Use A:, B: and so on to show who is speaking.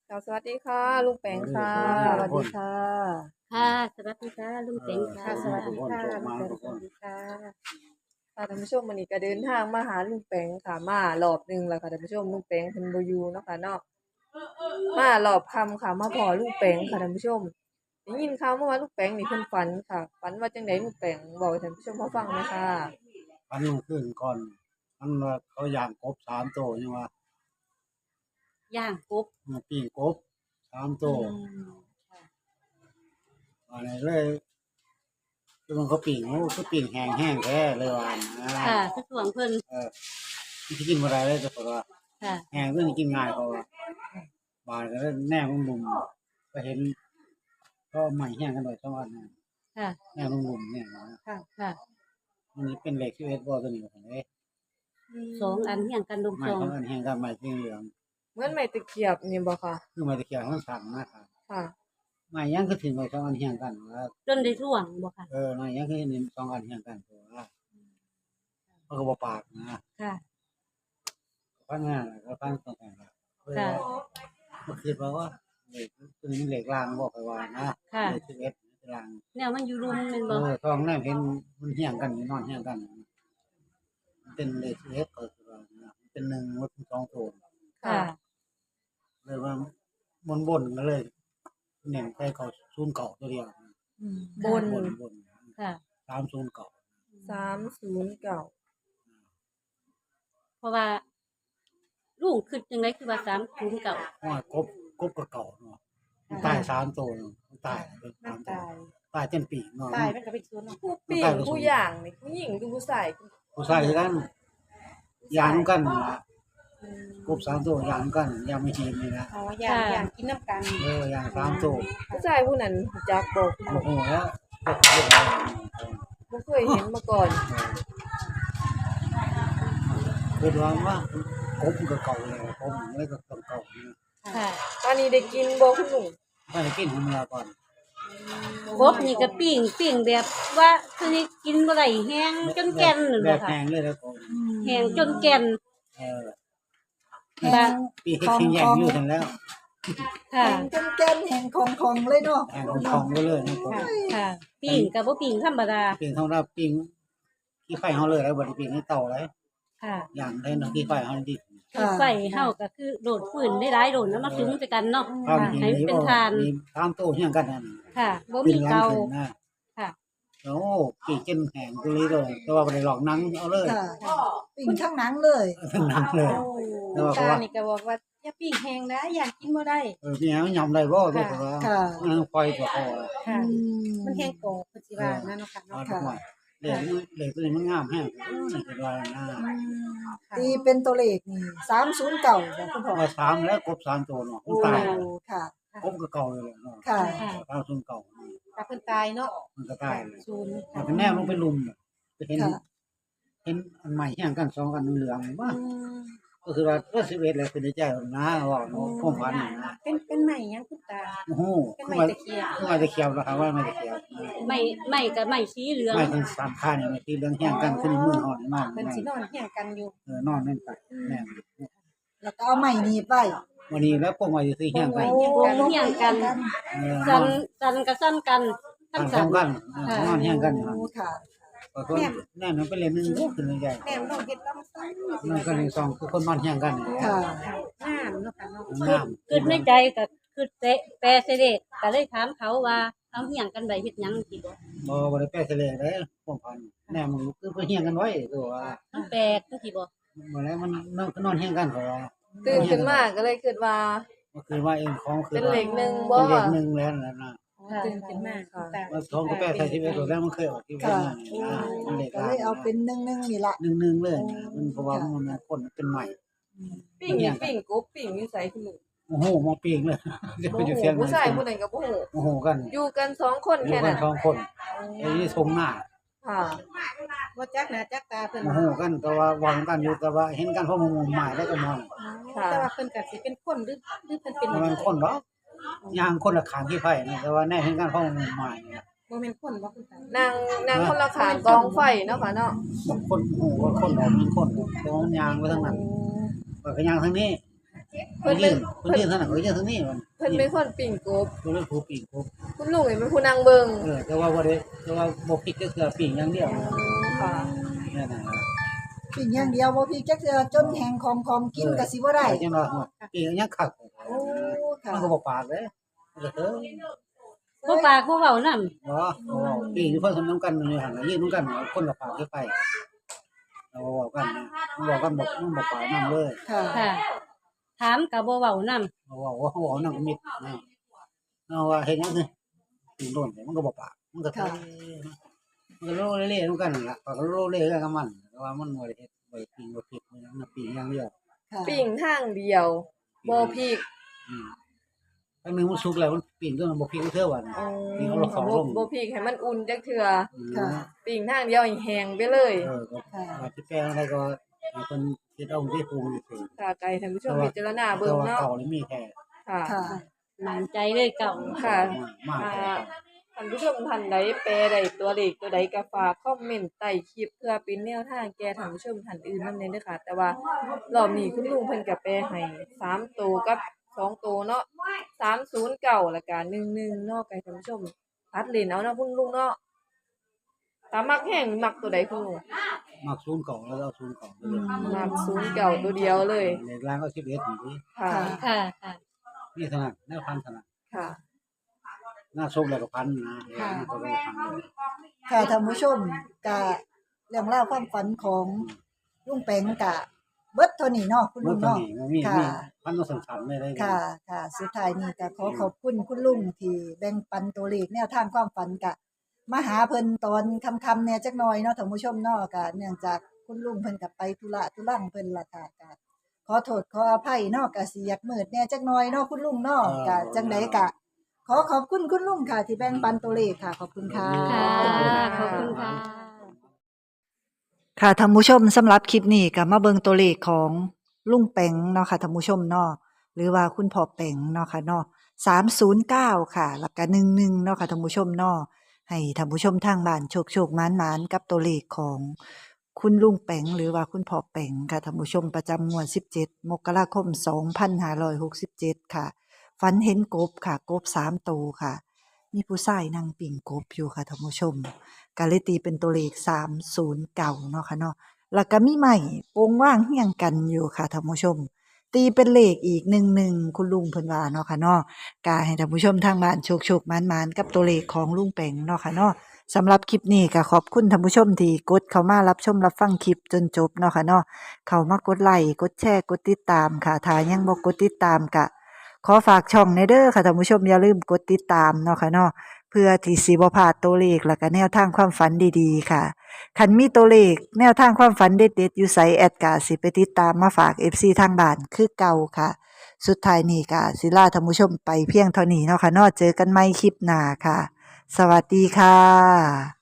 A: ค่ะสวัสดีค่ะลุงแปงค่ะสวัสดีค่ะ
B: ค่ะสวัสดีค่ะลุงเต็งค่ะ
A: ค่ะสวัสดีค่ะลุงแปงสวัสดีค่ะค่ะท่านผู้ชมวันนี้ก็เดินทางมาหาลุงแปงค่ะมารอบหนึ่งแล้วค่ะท่านผู้ชมลุงแปงเพิ่นบ่อยู่เนาะค่ะเนาะมารอบค่ำค่ะมาพ้อลุงแปงค่ะท่านผู้ชมได้ยินข่าวมาว่าลุงแปงนี่เพิ่นฝันค่ะฝันว่าจังไดลุงแปงบอกให้ท่านผู้ชมเขาฟังหน่อยค่ะ
C: อันรุ่งขึ้นก่อนมันว่าเขาย่างกบ3 ตัวยังว่า
B: ย่างกบ
C: ปิ้งกบ3 ตัวอันนี้เลยคือมันเขาปิ้งเขาคือปิ้งแห้งๆแท้เลยว่านะ
B: ค่ะคือสวงเพิ่น
C: มันสิกินบ่ได้เลยแต่ว่า
B: ค่ะ
C: แห้งคือกินง่ายเขาว่าบาดก็เลยแนมมุมๆก็เห็นก็ใหม่แห้งกันหน่อย2 อันนะ
B: ค่ะ
C: แนมมุมๆเนี่ยนะ
B: ค่ะค่ะ
C: มันนี้เป็นเหล็ก11บ่ตัวนี้ว่าซั่นเด้
B: สองอันเฮียงกันลง
C: ไม้
B: สอง
C: 2 อันแห้งกับไม้สีเหลือง
A: เหมือนไม้ตะเกียบนี่บ่ค่ะ
C: คือไม้ตะเคียนมันสั่นนะครับ
A: ค่ะ
C: ไม้ยังคือถึงไม้2 อันแห้งกันว่า
B: จนได้สวงบ่ค่ะ
C: น้อยยังคือเห็น2 อันเฮียงกันตัวมันก็บ่ปากนะ
B: ค่ะ
C: ฟังงานก็ฟังตรงกันล่ะ
B: ค่ะ
C: มันคิดว่าเลขตัวนี้มันเลขล่างบ่ค่อยว่านะ
B: ค่ะ
C: เลข11ล่าง
B: แนวมันอยู่รุมแม่นบ่
C: ท้องแนมเห็นมันเฮียงกันอยู่นอนเฮียงกันมันเป็นเลข11ก็คือว่านะมันเป็น1มันเป็น2ตัว
B: ค่ะ
C: เลยว่าบนๆก็เลยเน้นไปเข้า09ตัวเดียว
A: บน
C: บน
B: ค่ะ
C: 309
A: 309
B: เพราะว่าลูกคิดจังได๋คือว่า309
C: ว่ากบก็เก่าเนาะมันตาย3ตัวเนาะมันตายเป็น3ตัวตายจนปีกเนาะ
D: ตายมันก็เป็นศูนย์เนาะ
A: ผู้ปิ้งผู้ย่างนี่ผู้หญิงหรือผู้ชาย
C: ผู้ชายคือกันย่างกันนั่นล่ะกบ3 ตัวย่างกันย่างไม่ทีนี่นะ
D: อ๋อย่างกินน้ำกัน
C: ย่าง3 ตัว
A: ผู้ชายผู้นั้นรู้จักบ่
C: บ่ฮู้แล้วบ่
A: บ่เคยเห็นมาก่อน
C: คิดว่ากบมันก็เก่าแล้วกบมันเลยก็ต้องเก่านะ
B: ค่ะ
A: ตอนนี้ได้กินบ่คุณลุง
C: ถ้าได้กินมื้อละก่อน
B: กบนี่ก็ปิ้งแบบว่าคือนี่กินบ่ได้แห้งจนแก่นนั่น
C: แบ
B: บ่
C: บ
B: ค่ะ
C: แห้งเลยแล้วก็
B: แห้งจนแก่น
C: เออ
B: ค่ะ
C: ปีเฮ็ดทิ้งแย่งอยู่ซั่นแล้ว
B: ค่ะ
D: แกนแห่งของเลยเนาะ
C: แห้งของไปเลยนะผม
B: ค่ะปิ้งก็บ่ปิ้งธรรมดา
C: ปิ้งเฮารับปิ้งขี้ไฟเฮาเลยแล้วบ่ได้ปิ้งในเตาเลย
B: ค่ะ
C: ย่างได้เนาะขี้ไฟเฮาดิ
B: ไฟเฮาก็คือโดดฟืนได้หลายโดดแล้วมาถึงใส่กันเนาะ
C: ความจริง
B: ให้มันเป็นทาน
C: มี3 ตัวเฮียงกันนั่น
B: ค่ะบ่มีเตา
C: นะ
B: ค่ะ
C: โอ้ปีกจนแห้งกุลีเลยแต่ว่าบ่ได้หลอกหนังเอาเลย
D: ค่ะปิ้งทั้งหนังเลย
C: ทั้งหนังเลยแต่ว่า
D: ตานี่ก็บอกว่าอย่าปิ้งแห้งนะอยากกินบ่ได้
C: พี่หยังยอมได้บ่ตัวว่า
D: ค่ะ
C: มันปล่อยตัวเขา
D: ค่ะ มันแห้งโกบสิว่านั่นเนาะค่ะ
C: เอา
D: เนาะ
C: ทุกวันเหล็กตัวนี้มันงามแฮงนี่คือว่านะ
D: ตีเป็นตัวเลขนี่309บ่คุณพ่อ
C: ว่า3แล้วกบ3ตัวเนาะมันตาย
D: ค่ะ
C: กบก็เก่าเลยเนาะ
D: ค่ะ
C: ตามส่วนเก่า
D: ถ้าเพิ่นตายเนาะ
C: มันก็ตายเลย
D: ศูนย์
C: มันแนมลงไปลุมไปเห็น
D: ค่ะ
C: เห็นอันใหม่แฮงกัน2อันเหลืองว่าก็คือว่าก็11แล้วคือในใจนะว่าเนาะความฝันนี่นะ
D: เป็นใหม่ยังคุณตา
C: โอ้โห
D: เป็นไม้ตะเคียน
C: คือไม้ตะเคียนแล้วครับว่าไม้ตะเคียน
B: ไม่ก็ไม่สีเหลือง
C: ไม้ทั้ง3ค่านี่มันที่เรื่องแฮงกันคือมืออ่อนมาก
D: เพิ่นสินอนเฮียงกันอยู่
C: นอนนั่นไปแม่
D: แล้วก็เอาไม้หนีบไว้
C: วันนี้แล้วพวกมาอยู่ที่แฮงกัน
B: วงเฮียงกันสันก็สั่นกันทั้ง
C: ส
B: สั
C: อน งกันนอนแฮงกันอยู่
D: โอ้ค่ะ
C: ก็คนแน่นมันเป็นเล่นนึงก็คือใหญ่
D: แม่น้องเฮ็ดต้องใส่
C: นั่นก็ใน2คือคนนอนแฮงกัน
D: ค่ะงามเนาะค่ะเนาะ
C: งาม
B: คือในใจก็คือแปรเสด็จก็เลยถามเขาว่าเอาเฮียงกันไว้เฮ็ดหยังสิบ่
C: บ่ได้แปลเสลยเลยพวกพันแน่มันคือไปเฮียงกันไว้ตัวว่า
B: มันแปลกจังซี่บ่
C: บ่แล้วมันนอนแฮงกันเขาว่า
A: ตื่นขึ้นมาก็เลยคิดว่า
C: ก็คือว่าเองของคือ
A: เป็นเหล็กหนึ่งบ่
C: เป็นเหล็กนึงแล้วนะ
D: ตื่นขึ้นมาคุณตา
C: ว่า2ก็แปลใส่ชีวิตตัวแล้วมันเคยออกที่ว่ามันเหล็ก
D: ก็เลยเอาเป็นนึ่งนี่ล่ะ
C: นึงเลยมันเพราะว่ามันคนเป็นใหม่
A: ปิ้งนี่ปิ้งกบปิ้งอยู่ไสคุณลุง
C: โอ้โหมาปีกเลยจะ
A: บ่
C: ไปอยู่
A: ฮู้
C: เสียง
A: ผู้ชายผู้นั้นก็บ่ฮู้
C: โอ้โหกัน
A: อยู่กัน2คน
C: อยู่
A: แค่
C: กั
A: นั้น น
C: 2คนไอ้นี่ทรงหน้า
A: ค่ะ
D: ว่าจักหน้าจักตาเพิ่น
C: โอ้โหกันแต่ว่าวางกันอยู่แต่ว่าเห็นกันเพราะมุมหมายแล้วก็มอง
A: ค่ะ
D: แต่ว่าเพิ่นก็สิเป็นคนหรือเพิ่นเป็น
C: มันคนบ่ยางคนละขางที่ไผ่นะแต่ว่าแน่เห็นกันเพราะมุมหมายนะ
D: บ่แม่นคนบ่คุณตา
A: นางคนละขางกองไฟเนาะค่ะเนาะ
C: คนโอ้โหคนออกเป็นคนแต่ว่ามันยางไปทางนั้นก็ยางทางนี้
A: เพิ่นเป็น
C: เพิ่นยืนเท่านั้นเพิ่นยืนเท่านี้มัน
A: เพิ่นเป็นคนปิ่งกบ
C: เพิ่นเป็นผู้ปีกกบ
A: คุณลุงนี่เป็นผู้นั่งเบิ่ง
C: แต่ว่าบ่ได้แต่ว่าบ่พลิกก็คือปีกอย่างเดียว
A: ค่ะ
C: นั่นน่ะ
D: ปิ่งอย่างเดียวบ่พี่จักเทื่อจนแห้งของกินก็สิบ่ได้
C: จังว่าปีกยังคัก
D: โอ้ค่ะ
C: มันก็บ่ปากเด้มันก็เด้อ
B: บ่ปากบ่เว้านำ
C: บ่ปีกอยู่เพิ่นนำกันอยู่หั่นน่ะยืนนำกันคนละปากไปเราเว้ากันนะมันบอกกันบอกมันบ่ปากนำเลย
D: ค่ะ
B: ค่ะ ถามก็บ่เว้านำ
C: เราเว้านำมิดนะเอาว่าเฮ็ดหยังคือปีกโดนมันก็บ่ปากมันก็มันก็โลเล่ๆนำกันนั่นล่ะปากก็โลเล่กันกับมันแต่ว่ามันบ่ได้เฮ็ดบ่ปีกบ่ผิดมันยังปีกอย่างเดียว
D: ค่ะ
A: ปิ่งทางเดียวบ่พริก
C: อันนึงมันสุกแล้วมันปีนก็มันบ่พลิกเท่าว่า
A: อ๋อ
C: นี่เขาเราเข้าร่ม
A: บ่พริกให้มันอุ่นจักเทื่อ
D: ค่ะ
A: ปิ่งทางเดียวให้แห้งไปเลย
C: ก็ว่าสิแปลงอะไรก็ให้เพิ่นเฮ็ดเอาที่ปรุงนี่คือ
A: ค่ะไก่ท่านผู้ชมพิจารณาเบิ่
C: แต่
A: ง
C: ว่า
A: เนาะ
C: เก่านี่มีแท้
A: ค่ะ
D: ค่ะ
B: มั่นใจเลยเก่า
A: ค่ะ
C: มากแท้
A: ท่านผู้ชมท่านใดแปลได้ตัวเลขตัวใดก็ฝากคอมเมนต์ใต้คลิปเพื่อเป็นแนวทางแก่ท่านผู้ชมท่านอื่นนำแน่เด้อค่ะ แต่ว่ารอบนี้คุณลุงเพิ่นก็แปลให้3ตัวกับ2ตัวเนาะ309แล้วก็11เนาะไก่ท่านผู้ชมตัดเล่นเอาเนาะคุณลุงเนาะถ้ามักแห้งมักตัวใดคุณลุง
C: มากศูนย์เก่าแล้วเอาศูนย์เก่าไปเลย
A: มัก09ตัวเดียวเลย
C: ในร้านก็11นี่
A: ค่ะ
B: ค่ะค่ะ
C: นี่เท่านั้นแนวพันเท่านั้น
A: ค่ะ
C: หน้าส้มแล้วก็พันนะก็เป็นพันเลย
D: ค่ะท่านผู้ชมกะเรื่องราวความฝันของลุงแปงกะเบิดเท่านี้เนาะคุณ
C: มั
D: ลุ
C: น
D: ง
C: ตัว
D: เนาะ
C: นี้มันมีพันต้องสันๆเลยได้
D: ค่ะ ค่ะ สุดท้ายนี้ก็ขอบคุณคุณลุงที่แบ่งปันตัวเลขแนวทางความฝันกะมาหาเพิ่นตอนค่ำๆเนี่ยจักหน่อยเนาะท่านผู้ชมเนาะกะเนื่องจากคุณลุงเพิ่นก็ไปธุระธุรังเพิ่นล่ะค่ะกะขอโทษขออภัยเนาะกะสิอยากมืดแหน่จักหน่อยเนาะคุณลุงเนาะกะจังไดกะ ขอขอบคุณคุณลุงค่ะ ที่แบ่งปันตัวเลขค่ะ ขอบคุณค่ะ
B: ค่ะ ขอบคุณค่ะ
D: ค่ะท่านผู้ชมสำหรับคลิปนี้ก็มาเบิ่งตัวเลขของลุงแปงเนาะค่ะท่านผู้ชมเนาะหรือว่าคุณพ่อแปงเนาะค่ะเนาะ309ค่ะแล้วก็11เนาะค่ะท่านผู้ชมเนาะให้ท่านผู้ชมทางบ้านโชคๆหมานๆกับตัวเลขของคุณลุงแปงหรือว่าคุณพ่อแปงค่ะท่านผู้ชมประจำงวด17มกราคม2567ค่ะฝันเห็นกบค่ะกบ3ตัวค่ะ มีผู้ชายนั่งปิ่งกบอยู่ค่ะท่านผู้ชมก็เลยตีเป็นตัวเลข309เนาะค่ะเนาะแล้วก็มีไม้โปงว่างเฮียงกันอยู่ค่ะท่านผู้ชม ตีเป็นเลขอีก11คุณลุงเพิ่นว่าเนาะค่ะเนาะก็ให้ท่านผู้ชมทางบ้านโชคๆหมานๆกับตัวเลขของลุงแปงเนาะค่ะเนาะสำหรับคลิปนี้ก็ขอบคุณท่านผู้ชมที่กดเข้ามารับชมรับฟังคลิปจนจบเนาะค่ะเนาะเข้ามากดไลค์กดแชร์กดติดตามค่ะถ้ายังบ่กดติดตามก็ขอฝากช่องในเด้อค่ะท่านผู้ชมอย่าลืมกดติดตามเนาะค่ะเนาะเพื่อที่สิบ่พลาดตัวเลขแล้วก็แนวทางความฝันดีๆค่ะคันมีตัวเลขแนวทางความฝันเด็ดๆอยู่ไสแอดก็สิไปติดตามมาฝาก FC ทางบ้านคือเก่าค่ะ สุดท้ายนี้ก็สิลาท่านผู้ชมไปเพียงเท่านี้เนาะค่ะเนาะเจอกันใหม่คลิปหน้าค่ะ สวัสดีค่ะ